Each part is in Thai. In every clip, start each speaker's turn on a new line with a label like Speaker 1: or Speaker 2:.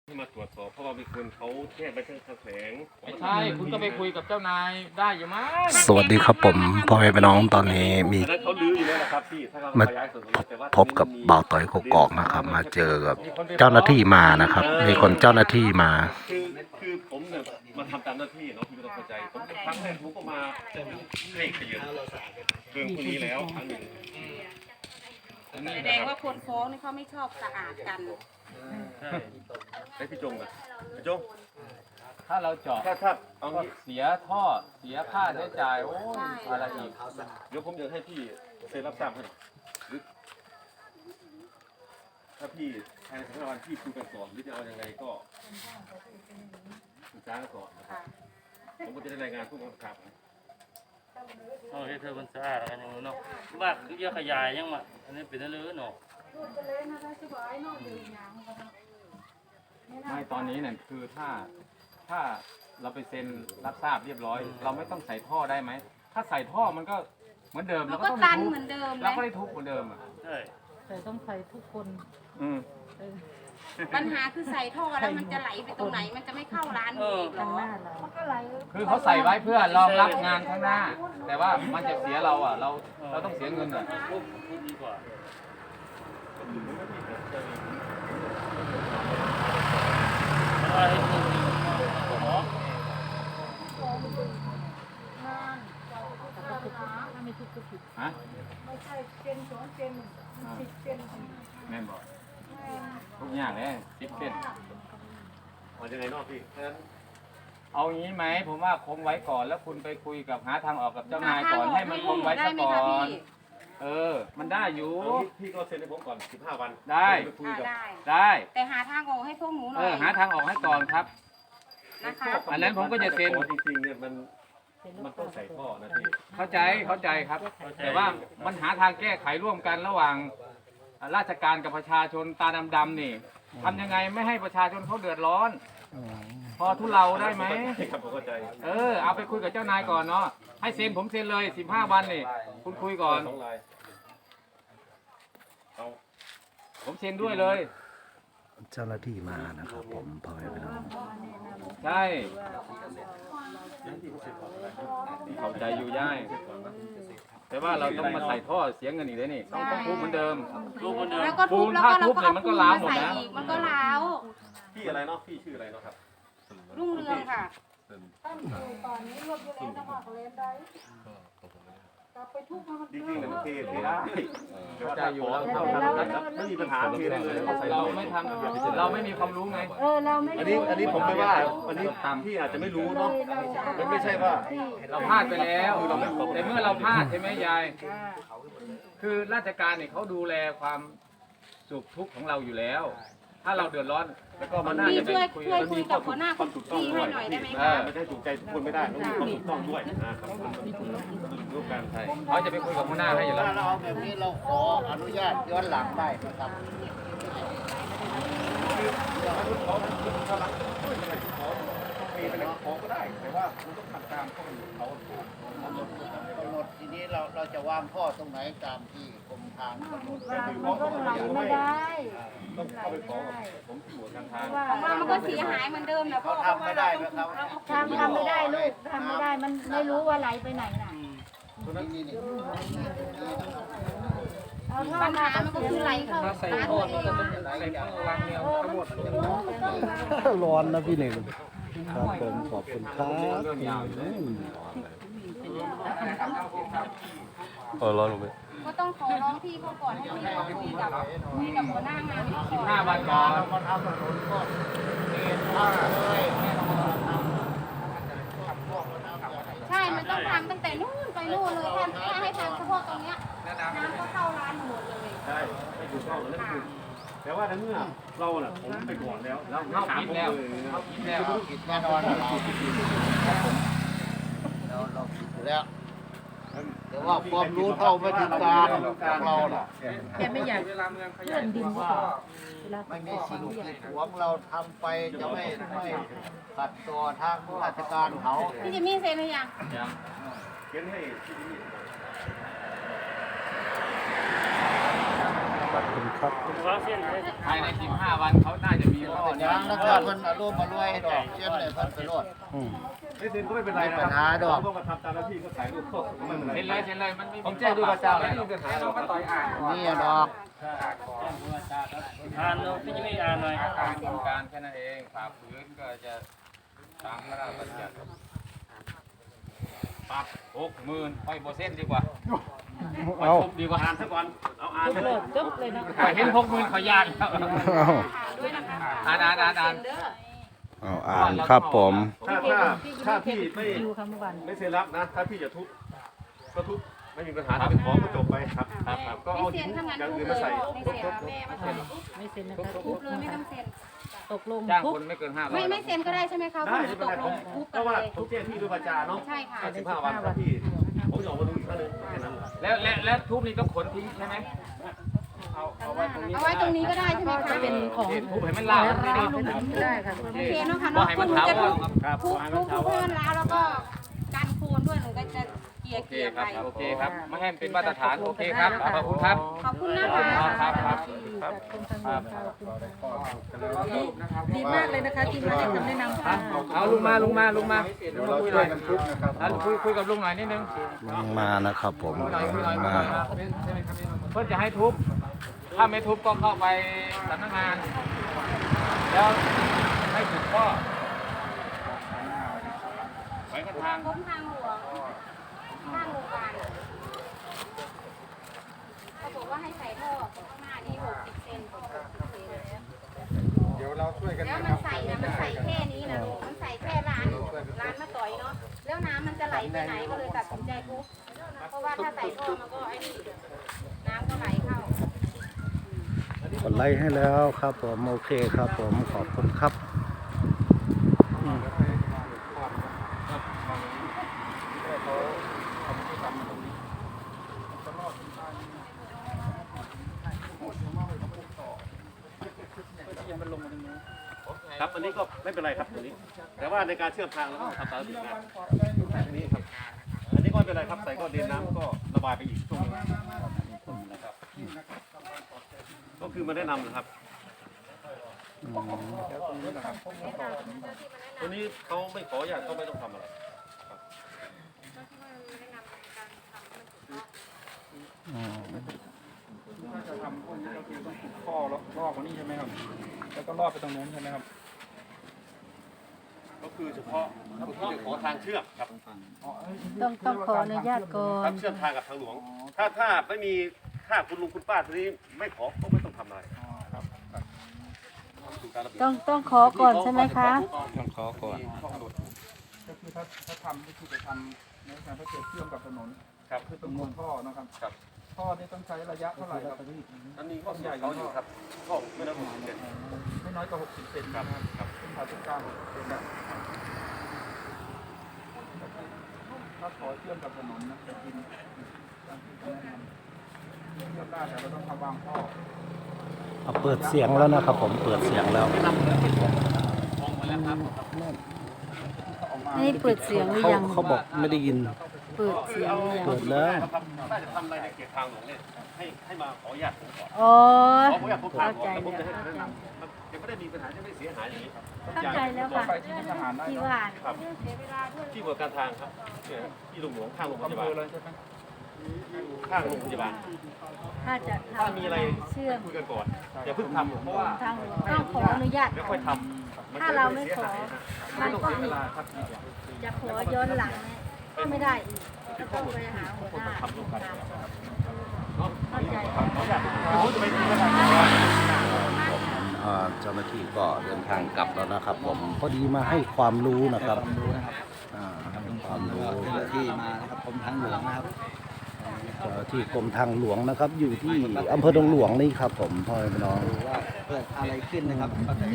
Speaker 1: ให้มาตรวจสอบเพราะว่ามีคนเขาแจ้งไปทางแขวง
Speaker 2: ไม่ใช่คุณก็ไปคุยกับเจ้านายได้อยู่มั้ง
Speaker 3: สวัสดีครับผมพ่อแม่พี่น้องตอนนี้มี
Speaker 1: อันนั้นเขาลื้ออยู่แล้วนะครับพี่ถ้าเรา
Speaker 3: มา
Speaker 1: ขยายส่วนแต่ว่า
Speaker 3: พบกับบ่าวต่อยกกอกนะครับ มาเจอกับเจ้าหน้าที่มานะครับ มีคนเจ้าหน้าที่มา
Speaker 1: คือผมเนี่ยมาทำตามหน้าที่เนาะพี่ไม่ต้องเข้าใจผมครั้งแรกผมก็มาให้ขยันเรื่องพวกนี้แล้วครั้งหนึ่ง
Speaker 4: แสดงว่าคนฟ้องนี่เขาไม่ชอบสะอาดกัน
Speaker 1: ให้พี่จงนะพี่จง
Speaker 2: ถ้าเราเจาะ
Speaker 1: ถ้าเอา
Speaker 2: ก็
Speaker 1: งี้
Speaker 2: เสียท่อเสียค่าใช้จ่ายโอ้ยอะไรอีก
Speaker 1: เดี๋ยวผมจะให้พี่เซ็นรับทราบให้หรือถ้าพี่ภายใน15 วันพี่คุยกันก่อนหรือจะเอายังไงก็ปรึกษากันก่อนนะครับผมก็จะได้รายงานผู้กำกับ
Speaker 5: เอาให้เธอมันสะอาดอะไรอย่างเงี้ยเนาะบ้านคือเยอะขยายยังมาอันนี้เป็นเรื่องเนาะ
Speaker 2: ไม่ตอนนี้เนี่ยคือถ้าเราไปเซ็นรับทราบเรียบร้อย เราไม่ต้องใส่ท่อได้ไหมถ้าใส่ท่อมันก็เหมือนเดิม
Speaker 4: มัน
Speaker 2: เรา
Speaker 4: ก็
Speaker 2: ต้อง
Speaker 4: ตัน
Speaker 2: ทุบ
Speaker 4: เหมือนเดิม
Speaker 2: เรา
Speaker 4: นะ
Speaker 2: ก็ได้ทุบเหมือนเดิมอ่ะ
Speaker 5: ใช่
Speaker 6: แต่ต้องใส่ทุกคน
Speaker 2: อืม
Speaker 4: ปัญหาคือใส่ท่อแล้วมันจะไหลไปตรงไหน มันจะไม่เข้าร้านอีกเหร
Speaker 6: ทาง
Speaker 4: อ
Speaker 6: หน้าเรา
Speaker 2: คือเขาใส่ไว้เพื่อรองรับงานข้างหน้า แต่ว่ามันจะเสียเราอ่ะเราต้องเสียเงินอ่ะ
Speaker 5: ทุบดีกว่าเพราะว่าให้ทุบดีกว่า
Speaker 6: ถ้าไม่ทุกก็ผิด
Speaker 2: ฮะไม่ใช่เป็น2เป็น10เป็นแม่นบอกทุกอย่างเลย10เป็น
Speaker 1: เอายังไงนอกพี่ฉะนั้น
Speaker 2: เอางี้ไหมผมว่าคงไว้ก่อนแล้วคุณไปคุยกับหาทางออกกับเจ้านายก่อนให้มันคงไว้
Speaker 4: ได้
Speaker 2: ซะ
Speaker 4: ไหม
Speaker 2: ก่อ
Speaker 4: คะ
Speaker 2: น
Speaker 4: พี่
Speaker 2: มันได้อยู่
Speaker 1: เอางี้พี่ก็เซ็นให้ผมก่อน15 วัน
Speaker 2: ได้
Speaker 1: ผมจะคุยกับ
Speaker 4: ได้
Speaker 2: ได้
Speaker 4: แต่หาทางออกให้พวกหนูหน่อย
Speaker 2: หาทางออกให้ก่อนครับ
Speaker 4: นะคะ
Speaker 2: อันนั้นผมก็จะเซ็น
Speaker 1: จริงๆเนี่ยมันต้องใส่ท่อนะพี่
Speaker 2: เข้าใจครับ แต่ว่ามันหาทางแก้ไขร่วมกันระหว่างราชการกับประชาชนตาดำๆนี่ทำยังไงไม่ให้ประชาชนเขาเดือดร้อน พอทุเลาได้ไหม
Speaker 1: ครับผมเข้าใจ
Speaker 2: เอาไปคุยกับเจ้านายก่อนเนาะให้เซ็นผมเซ็นเลย15 วันนี่คุณคุยก่อน
Speaker 1: สองลายเอา
Speaker 2: ผมเซ็นด้วยเลย
Speaker 3: เจ้าหน้าที่มานะครับ ผมพ่อแม่พี่น้อง
Speaker 2: ใช่เข้าใจอยู่ย่ายแต่ว่าเราต้องมาใส่ท่อเสียเงินอีกเลยนี่ต้องทุบเหมือนเดิม
Speaker 5: ทุบคนเดิม
Speaker 4: แล้วก็ทุบแล้วก็เราก็เอา
Speaker 2: มันก็
Speaker 4: ปูน
Speaker 2: ล้าว
Speaker 4: มา
Speaker 2: หมด
Speaker 4: ใส่
Speaker 2: นะ
Speaker 4: อีก มันก็ล้าว
Speaker 1: พี่อะไรเนาะพี่ชื่ออะไรเนาะครับ
Speaker 4: รุ่งเรืองค่ะ
Speaker 1: จริงๆเนี่ยมันเทได้
Speaker 2: เข้าใจอยู่แล้ว
Speaker 1: ไม่มีปัญหาเทได้เลยใส่
Speaker 2: เราไม่ทำเราไม่มีความรู้ไง
Speaker 6: เราไม่
Speaker 1: อันนี้ผมไม่ว่าอันนี้พี่อาจจะไม่รู้เนาะมันไม่ใช่ว่า
Speaker 2: เราพลาดไปแล้วแต่เมื่อเราพลาดใช่ไหมยายคือราชการเนี่ยเขาดูแลความสุขทุกข์ของเราอยู่แล้ว ถ้าเราเดือดร้อน
Speaker 1: แล้วก็มัน
Speaker 2: น่า
Speaker 4: พี่
Speaker 2: จะไป
Speaker 4: ช่วย
Speaker 2: คุย
Speaker 4: ช่วย
Speaker 2: กัน
Speaker 4: คุยกับหัวหน้า
Speaker 1: ความถูกต้อง
Speaker 4: พี่
Speaker 1: ด้ว
Speaker 4: ให้
Speaker 1: ย
Speaker 4: หน่อยได้ไหม
Speaker 2: เอ
Speaker 4: คะ
Speaker 2: อ
Speaker 1: ไม่ได้ถูกใจทุกคนไม่ได้ต้องมีความถูกต้องด้วยนะครับร่วมกันใช่
Speaker 2: เขาจะไปคุยกับหัวหน้าให้อยู่แล้ว
Speaker 7: ถ้าเราเอาแบบนี้เราขออนุญาตย้อนหลังได้นะครับ
Speaker 1: ขอก็ได้แต่ว่าคุณต้องทำตามข้อมูลเขา
Speaker 7: กำหนดทีนี้เราจะวางข้อตรงไหนตามที่กรมทางกำหนด
Speaker 6: มันก็หลังไม่ได้
Speaker 1: ต้องเข้าไปขอผมที่หัวทางทาง
Speaker 4: ของเรามันก็เสียหายเหมือนเดิมนะเพราะว่าเราต้องทุบแล้วก็
Speaker 6: ทำไม่ได้ลูกทำไม่ได้มันไม่รู้ว่าไหลไปไหนน่ะ
Speaker 7: นี่
Speaker 6: เอาท่อ
Speaker 4: ปัญ
Speaker 6: มา
Speaker 4: หามันก็คือไหลเข้าร้านตัวเอง
Speaker 3: ร้อนนะพี่หนึ่งครับผมขอบคุณครับร้อนลงไป
Speaker 4: ก็ต้องขอร้องพี่เขาก่อนให้พี่เขาคุยกับหัวหน้างานเขาก่อน
Speaker 2: 15 วันก่อน
Speaker 7: มาทำถนนก็เกณฑ์ท่าเลย
Speaker 4: ใช่ มันต้องทำตั้งแต่นู่นไปนู่นเลยถ้าให้ทำเฉพาะตรงเนี้ยน้ำก็เข้าร้านหมดเลย
Speaker 1: ใช่ไม่ถูกต้องนั่นคือแต่ว่าในเมื่อเราน่ะผมไปก่อนแล้ว
Speaker 2: เราเข้าคิดแล้วเข้าคิดแล้ว
Speaker 7: ผิดแน่นอนเราผิดอยู่แล้วแต่ว่าความรู้เท่าไม่ถึงการของเราน่ะ
Speaker 6: แกไม่อยาก
Speaker 2: เวลาเมืองข
Speaker 6: เลื่
Speaker 2: ยา
Speaker 6: อย นดิน
Speaker 7: ว่า
Speaker 6: เวลา
Speaker 7: ไม่มีสิ่งกีดขวางเราทำไปจะไม่ขัดต่อทางราชการเขา
Speaker 4: พี่จิมมี่เซ็นหรือยัง
Speaker 1: เขียนให้ที่นี่
Speaker 3: ขอบคุณครับ
Speaker 5: ว่าเส้นให้
Speaker 2: ภายใน15 วันเขาน่าจะมีข้อนี้
Speaker 7: ยังแล้วก็เพิ่นอารมณ์มารวยดอกเช่นเลยเพิ่นไปโลด
Speaker 1: ไม่เซ็นก็ไม่เป็นไรนะ
Speaker 7: ปัญหาดอก
Speaker 1: ก็มาทำตามหน้าที่ก็ถ่ายรูปเข้าก็ไม่เป็นไร
Speaker 2: เซ็นเลยเซ็นเลยมันไม่
Speaker 1: ผมแจ้งด้วยวาจาเลย
Speaker 2: ไม่มีปัญหาเรามาต่อยอ่าน
Speaker 7: นี่ดอก
Speaker 5: อ่านเนาะพี่จะไม่อ่านหน่อย
Speaker 2: การโครงการแค่นั้นเองฝ่าฝืนก็จะตามพระราชบัญญัติปรับ60,000ค่อยโบเส้นดีกว่าเอาดีกว่า
Speaker 1: อ่านซะก่อนเอาอ่าน
Speaker 6: ทุบ
Speaker 1: เล
Speaker 6: เลย ยจบเลยเนาะ
Speaker 2: เห็น60,000ขอยานแล้วอ่าน
Speaker 3: เอาอ่านครับผม
Speaker 1: ถ้าพี่ไม่
Speaker 6: ดูค่ะเมื่อวาน
Speaker 1: ไม่เซ็นรับนะ ถ้าพี่จะทุบก็ทุบไม่มีปัญหาถ้าเป็นของก็จบไปครับครับก็เอา
Speaker 4: ไม่
Speaker 1: หิ
Speaker 4: เซ็
Speaker 1: น
Speaker 4: นถ้างั้น
Speaker 1: อย่าง
Speaker 4: ทุบ
Speaker 1: อื่น
Speaker 4: เล
Speaker 1: มาย ใส่
Speaker 4: ไม่เซ็นแม่มาเซ็น
Speaker 6: ไม่เซ็นนะคะ
Speaker 4: ทุบเลยไม่ต้องเซ็น
Speaker 6: ตกลง
Speaker 2: จ้าง
Speaker 6: ทุบ
Speaker 2: คนไม่เกิน500
Speaker 4: ไม่เซ็นก็ได้ใช่ไหมคะ
Speaker 1: ได้ไม่เป็นไรผม
Speaker 4: ทุบ
Speaker 1: ก็ว่า
Speaker 4: เลย
Speaker 1: ผมแจ้งพี่ด้วยวาจาเนาะ
Speaker 4: ใช่ค่ะ
Speaker 1: 15 วันครับพี่ผมจะออกมาดูอีกครั้งหนึงแค่นั้น
Speaker 2: แล้วทุบนี่ต้องขนทิ้งใช่ไหม
Speaker 4: เอาไว้ตรงนี้ก็ได้ใช่ไหมคะ
Speaker 6: จะเป็นของ
Speaker 2: ทุบให้มันลาวไม่ได้
Speaker 6: ไม่ได้ค่ะ
Speaker 4: โอเคเนาะค่ะ
Speaker 2: บ่
Speaker 4: เนาะ
Speaker 2: ให้
Speaker 4: คุ
Speaker 2: มัน
Speaker 4: ณ
Speaker 2: เท้า
Speaker 4: จะทุบ
Speaker 1: ครับ
Speaker 4: ทุบให้มันล้าวแล้วก็กันโคนด้วยหนูก็จะเกลี่ย
Speaker 2: โอเค
Speaker 4: เกลี่ย
Speaker 2: ค
Speaker 4: ไป
Speaker 2: รับโอเคครับไม่ให้มันเป็นมาตรฐานโอเคครับขอบคุณครับ
Speaker 4: ขอบคุณนะคะ
Speaker 2: ครับครับ
Speaker 6: จากกรมทางหลวงค่ะดีมากเลยนะคะที่มาให้คำแนะนำค่ะ
Speaker 2: เอาลุงมาคุยหน่อยคุยกับลุงหน่อยนิดนึง
Speaker 3: ลงมานะครับผม
Speaker 2: คุยหน่อย
Speaker 3: ลงมา
Speaker 2: เพื่อจะให้ทุบถ้าไม่ทุบก็เข้าไปสำนักงาน แล้วให้ถูกข้อไปกันทาง
Speaker 4: กรมทางหลวงข้างโรงพยาบาลเขาบอกว่าให้ใส่ท่อข้างหน้านี่60 เซนเดี๋ยวเราช่วยกันแล้วมันใส่นะมันใส่แค่นี้นะลูกมันใส่แค่ร้านมาต่อยเนาะแล้วน้ำมันจะไหลไปไหนก็เลยตัดสินใจทุบเพราะว่าถ้าใส่ท่อมันก็ไอ้นี่น้ำก็ไหลเข้าก
Speaker 3: ดไลค์ให้แล้วครับผมโอเคครับผมขอบคุณครับอืม
Speaker 1: ครับอันนี้ก็ไม่เป็นไรครับตัวนี้ แต่ว่าในการเชื่อมทางเราต้องทำตามระเบียบงานอันนี้ครับอันนี้ก็ไม่เป็นไรครับใส่ก็เดินน้ำก็ระบายไปอีกช่วงนึงนะครับก็คือมาแนะนำนะครับตัวนี้เขาไม่ขออย่างก็ไม่ต้องทำอะไร
Speaker 3: อืม
Speaker 8: จะทำพวกนี้ก็คือต้องขุดท่อแล้วรอบกว่านี้ใช่ไหมครับ แล้วก็รอบไปตรงนู้นใช่ไหมครับ
Speaker 1: ก็คือเฉพาะที่จะขอทางเชื่อมครับ
Speaker 6: ต้องขออนุญาตก่อ
Speaker 1: ทาน งเชื่อมทางกับทางหลวง ถ้าไม่มีถ้าคุณลุงคุณป้าทีนี้ไม่ขอก็ไม่ต้องทำอะไรดูการระเบียบ
Speaker 6: ต้องขอก่อนใช่ไหมคะ
Speaker 3: ต้องขอก่อน
Speaker 8: ก็คือถ้าทำก็คือจะทำในการถ้าเกิดเชื่อมกับถนน
Speaker 1: ครับ
Speaker 8: คือต้องขุดท่อนะครับ
Speaker 1: ครับ
Speaker 8: ท่อนี่ต้องใช้ระยะเท่าไหร่ครับ
Speaker 1: อันนี้ก็ใหญ่เขาอยู่ครับก็ไม่ได้60 เซน
Speaker 8: ไม่น้อยกว่า60 เซนนะครับเป็นผ่าศูนย์กลาง60 เซนนะถ้าขอเชื่อมกับถนนนะจะกินตามที่เขาแนะนำเชื่อมได้แต่เราต้องทำวางท่อ
Speaker 3: เอาเปิดเสียงแล้วนะครับผมเปิดเสียงแล้ว
Speaker 6: นี่เปิดเสียงหรือยัง
Speaker 3: เขาบอกไม่ได้ยิน
Speaker 6: เปิดเสียงหรือยัง
Speaker 3: เปิดแล้ว
Speaker 1: ถ้าจะทำอะไรในเขตทางหลวงเนี่ยให้มาขออนุญาตผมก่อน
Speaker 6: อ๋อ
Speaker 1: ขออนุญาตผมทาง
Speaker 6: เข้า
Speaker 1: ก่อน
Speaker 6: ใจ
Speaker 1: แล้วผม
Speaker 6: แล้ว
Speaker 1: จะให้แนะนำมันจะไม่ได้มีปัญหาจะไม่เสียหายอย่างนี้ครับ
Speaker 6: เข้าใจแล้วค่ะ
Speaker 8: ไปที่ทหารได้
Speaker 6: ที่
Speaker 8: เนาะ
Speaker 6: ว่า
Speaker 1: ครับที่บริการทางครับเนี่ยที่โรงหลวงข้างโรงพยา
Speaker 8: อำเภ
Speaker 1: บาล
Speaker 8: อเลยใช่ไหม
Speaker 1: ข้างโรงพยาบาล
Speaker 6: ถ้าจะ
Speaker 1: ถ้า
Speaker 6: ทำ
Speaker 1: มีอะไร
Speaker 6: เชื่อม
Speaker 1: คุยกันก่อนอย่าเพิ่งทำเพราะว่า
Speaker 6: ทางหลวงต้องขออนุญาต
Speaker 1: ไม่
Speaker 6: ก่
Speaker 1: ค่
Speaker 6: อ
Speaker 1: อย
Speaker 6: น
Speaker 1: ทำ
Speaker 6: ถ้าเราไม่ขอ มันก็
Speaker 8: เว
Speaker 6: ผิด
Speaker 8: ลาครับ
Speaker 6: จะขอย้อนหลังเนี่ยก็ไม่ได้อีกก็ต้องไปหาหัวหน้าเข้าใจ
Speaker 3: เจ้าหน้าที่ก็เดินทางกลับแล้วนะครับผมพอดีมาให้ความรู้นะครับให้ความรู้
Speaker 7: ที่มานะครับกรมทางหลวงนะครับ
Speaker 3: เจ้าหน้าที่กรมทางหลวงนะครับ อยู่ที่อำเภอดงหลวงนี่ครับผมพ่อแม่พี่น้อง
Speaker 7: ว่าเกิดอะไรขึ้นนะครับ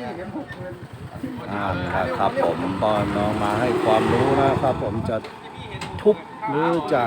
Speaker 3: นะครับผมพ่อแม่พี่น้องมาให้ความรู้นะครับ ผมจะทุบหรือจะ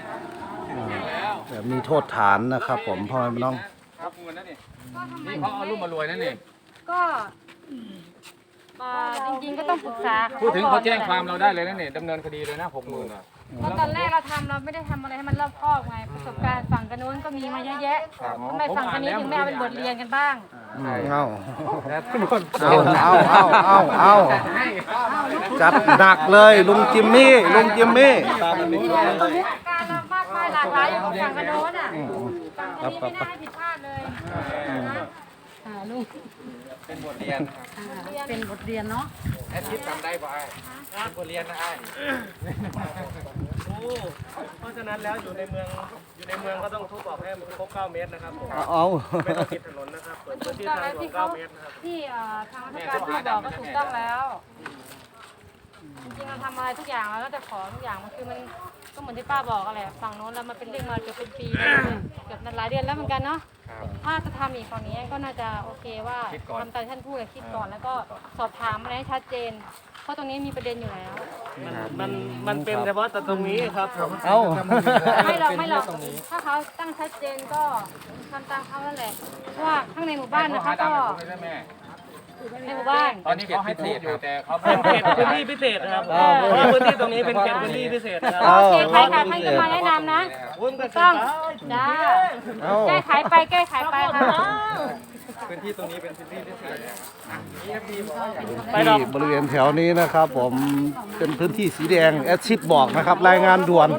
Speaker 3: มีโทษฐานนะครับ ผมพ่อแม่พี่น้อง
Speaker 2: รับเงินนั่นนี่นี่เขาเอารูปมารวยนั่นนี่
Speaker 4: ก็จริงๆก็ต้องปรึกษา
Speaker 2: พูดถึงเขาแจ้งความเราได้เลยนั่นนี่ดำเนินคดีเลยนะ60,000
Speaker 4: ค
Speaker 6: เพราะตอนแรกเราทำเราไม่ได้ทำอะไรให้มันรอบคอบไงประสบการณ์ฝั่งกันโน้นก็มีมาเยอะแยะทำไมฝั่งกันนี้ถึงไม่เอาเป็นบทเรียนกันบ้าง
Speaker 3: เอาจัดหนักเลยลุงจิมมี่ลุงจิมมี่
Speaker 6: การเรามากมายหลากหลายอยู่ของฝั่งกันโน้นอ่ะฝั่งกันนี้ไม่น่าให้ผิดพลาดเลยนะลูก
Speaker 2: เป็นบทเรียน
Speaker 6: เป็นบทเรียนเนาะ
Speaker 2: แอดมิดจำได้ป่ะเป็นบทเรียนนะไอ้
Speaker 5: เพราะฉะนั้นแล้วอยู่ในเมืองก็ต้องทุบออกให้มันครบ9 เมตรนะครับผม
Speaker 3: เอา
Speaker 5: ไม่ต้องปิดถนนนะครับเปิดพื้นที่ทางหลวง9 เมตรนะครับ
Speaker 6: ที่ทางราชการที่บอกก็ถูกต้องแล้ว จริงๆเราทำอะไรทุกอย่างแล้วก็จะขอทุกอย่างมันคือมันก็เหมือนที่ป้าบอกอะไรฝั่งโน้นแล้วมันเป็นเรื่องมาเกือบเป็นปีเกือบหลายเดือนแล้วเหมือนกันเนาะถ้าจะทำอีกฝั่งนี้ก็น่าจะโอเคว่าทำตามที่ท่านพูดคิดก่อนแล้วก็สอบถามอะไรให้ชัดเจน เพราะตรงนี้มีประเด็นอยู่แล้ว
Speaker 5: มันเป็นเฉพาะแต่ตรงนี้ครับผม
Speaker 3: เอา
Speaker 6: ไม่หรอกถ้าเขาตั้งชัดเจนก็ทำตามเขานั่นแหละเพราะว่าข้างในหมู่บ้านนะคะก็ในหมู่บ้าน
Speaker 2: ตอนนี้เขาให้พูดอยู่แต่เขา
Speaker 5: เป็นเขตพื้นที่พิเศษนะครับเพราะว่าพื้นที่ตรงนี้เป็นเขตพื้นที่พิเศษนะครับ
Speaker 6: โอเคใครค่ะท่านก็มาแนะนำนะถูกต้องจ้าแก้ไขไปแก้ไขไปค่ะ
Speaker 2: พื้นที่ตรงนี้เป็นพื้นที่พิเศษ
Speaker 3: ที่บริเวณแถวนี้นะครับ ผมเป็นพื้นที่สีแดงแอดชิดบอกนะครับ รายงานด่วน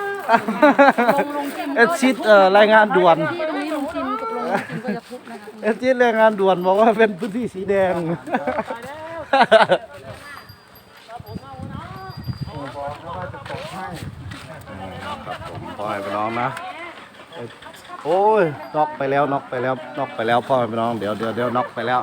Speaker 3: แอดชิดรายงานด่วน
Speaker 6: ที่ตรงนี้ลุงจิมตกลงลุงจิมก็จะทุบนะคะ
Speaker 3: แอดชิดรายงานด่วนบอกว่าเป็นพื้นที่สีแดงพ่อให้ไปน้องนะโอ้ยน็อกไปแล้วน็อกไปแล้วน็อกไปแล้วพ่อให้ไปน้องเดี๋ยวน็อกไปแล้ว